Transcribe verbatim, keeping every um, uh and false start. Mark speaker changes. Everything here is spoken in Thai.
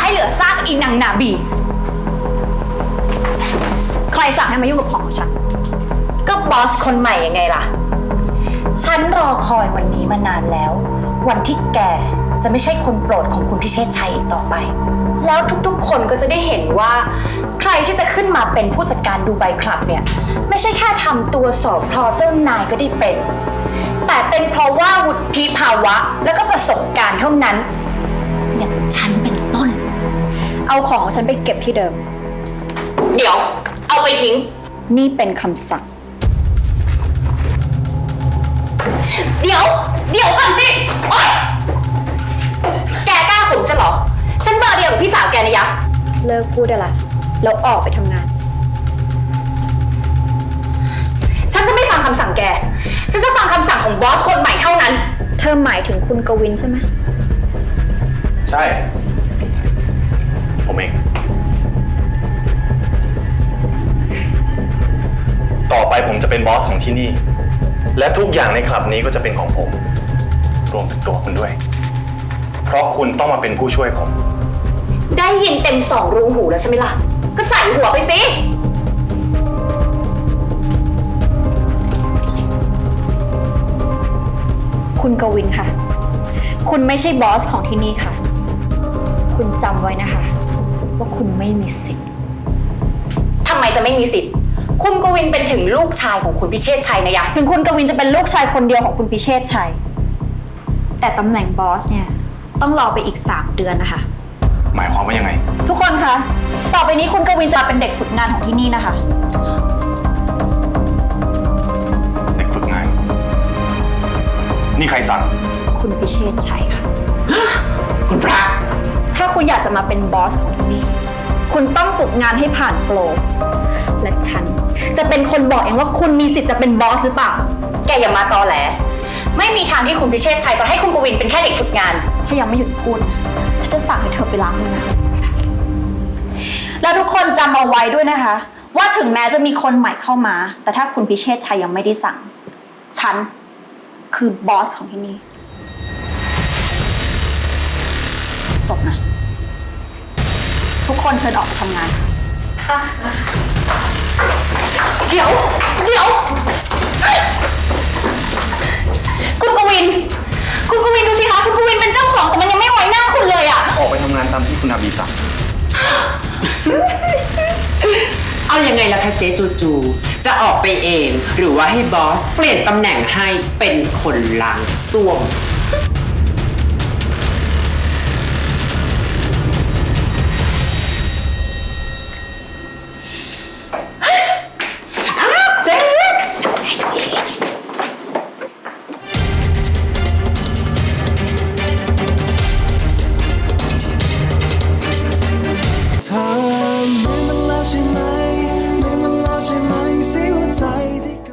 Speaker 1: ให้เหลือซากอีนางนาบีใครสั่งให้มายุ่งกับของของฉันก็บอสคนใหม่ยังไงล่ะฉันรอคอยวันนี้มานานแล้ววันที่แกจะไม่ใช่คนโปรดของคุณพิเชษชัยอีกต่อไปแล้วทุกๆคนก็จะได้เห็นว่าใครที่จะขึ้นมาเป็นผู้จัดการดูไบคลับเนี่ยไม่ใช่แค่ทำตัวสอบทอเจ้านายก็ได้เป็นแต่เป็นเพราะว่าวุฒิภาวะและก็ประสบการณ์เท่านั้นอย่างฉันเป็นต้นเอาของของฉันไปเก็บที่เดิมเดี๋ยวเอาไปทิ้งนี่เป็นคำสั่งเดี๋ยวเดี๋ยวก่อนสิโอ๊ยแกกล้าข่มฉันเหรอฉันเบอร์เดียวกับพี่สาวแกนะยะเลิกพูดได้ละแล้วออกไปทำงานฉันจะไม่ฟังคำสั่งแกฉันจะฟังคำสั่งของบอสคนใหม่เท่านั้นเธอหมายถึงคุณกวินใช่ไหม
Speaker 2: ใช่ผมเองต่อไปผมจะเป็นบอสของที่นี่และทุกอย่างในคลับนี้ก็จะเป็นของผมรวมถึงตัวคุณด้วยเพราะคุณต้องมาเป็นผู้ช่วยผม
Speaker 1: ได้ยินเต็มสองรูหูแล้วใช่ไหมล่ะก็ใส่หัวไปสิคุณกวินค่ะคุณไม่ใช่บอสของที่นี่ค่ะคุณจำไว้นะคะว่าคุณไม่มีสิทธิ์ทำไมจะไม่มีสิทธิ์คุณกวินเป็นถึงลูกชายของคุณพิเชษชัยนะยะถึงคุณกวินจะเป็นลูกชายคนเดียวของคุณพิเชษชัยแต่ตำแหน่งบอสเนี่ยต้องรอไปอีกสามเดือนนะคะ
Speaker 2: หมายความว่ายังไง
Speaker 1: ทุกคนคะต่อไปนี้คุณกวินจะเป็นเด็กฝึกงานของที่นี่นะคะ
Speaker 2: เด็กฝึกงานนี่ใครสั่ง
Speaker 1: คุณพิเชษชัยค่ะ
Speaker 2: คุณพระ
Speaker 1: ถ้าคุณอยากจะมาเป็นบอสของที่นี่คุณต้องฝึกงานให้ผ่านโปรและฉันจะเป็นคนบอกเองว่าคุณมีสิทธิ์จะเป็นบอสหรือเปล่าแกอย่ามาตอแหลไม่มีทางที่คุณพิเชษชัยจะให้คุณกวินเป็นแค่เด็กฝึกงานถ้ายังไม่หยุดพูดฉันจะสั่งให้เธอไปล้างมือนะแล้วทุกคนจำเอาไว้ด้วยนะคะว่าถึงแม้จะมีคนใหม่เข้ามาแต่ถ้าคุณพิเชษชัยยังไม่ได้สั่งฉันคือบอสของที่นี่จบนะทุกคนเชิญออกไปทำงานค่ะเดี๋ยวเดี๋ยวคุณกวินคุณกวินดูสิคะคุณกวินเป็นเจ้าของแต่มันยังไม่ไว้หน้าคุณเลยอะ
Speaker 2: ออกไปทำงานตามที่คุณอาบีสั่ง
Speaker 3: เอายังไงล่ะคะเจ๊จูจูจะออกไปเองหรือว่าให้บอสเปลี่ยนตำแหน่งให้เป็นคนล้างส้วม